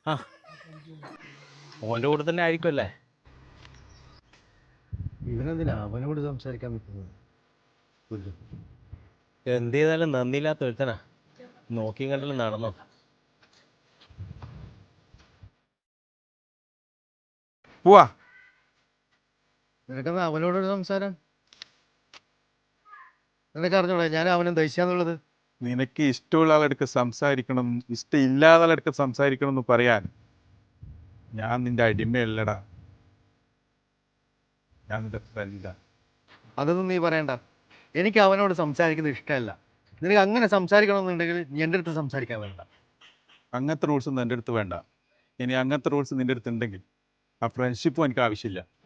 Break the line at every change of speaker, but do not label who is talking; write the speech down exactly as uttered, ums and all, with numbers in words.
ആ ഓൻ്റെ കൂടെ തന്നെ ആയിരിക്കുമല്ലേ?
ഇവനെന്തിനാ അവനോട് സംസാരിക്കാൻ പറ്റുന്നത്?
എന്ത് ചെയ്താലും നന്ദിയില്ലാത്ത ഒരുത്തനാ. നോക്കി കണ്ടല്ലോ നടന്നോ.
പോവാ.
നിനക്കെന്താ അവനോടൊരു സംസാരം? നിനക്ക് അറിഞ്ഞോളെ ഞാൻ അവനെ ദഹിച്ചാന്നുള്ളത്.
നിനക്ക് ഇഷ്ടമുള്ള ആളെടുക്ക് സംസാരിക്കണം, ഇഷ്ടമില്ലാത്ത ആളെടുക്ക് സംസാരിക്കണം എന്ന് പറയാൻ ഞാൻ നിന്റെ അടിമയല്ലടാ, ഞാൻ നിന്റെ ഫ്രണ്ടാ.
അതൊന്നും നീ പറയണ്ട. എനിക്ക് അവനോട് സംസാരിക്കുന്നത് ഇഷ്ടമല്ല. നിനക്ക് അങ്ങനെ സംസാരിക്കണമെന്നുണ്ടെങ്കിൽ നീ എൻ്റെ അടുത്ത് സംസാരിക്കാൻ വേണ്ട.
അങ്ങനത്തെ റൂൾസ് ഒന്നും എൻ്റെ അടുത്ത് വേണ്ട. ഇനി അങ്ങനത്തെ റൂൾസ് നിന്റെ അടുത്ത് ഉണ്ടെങ്കിൽ ആ ഫ്രണ്ട്ഷിപ്പും എനിക്ക് ആവശ്യമില്ല.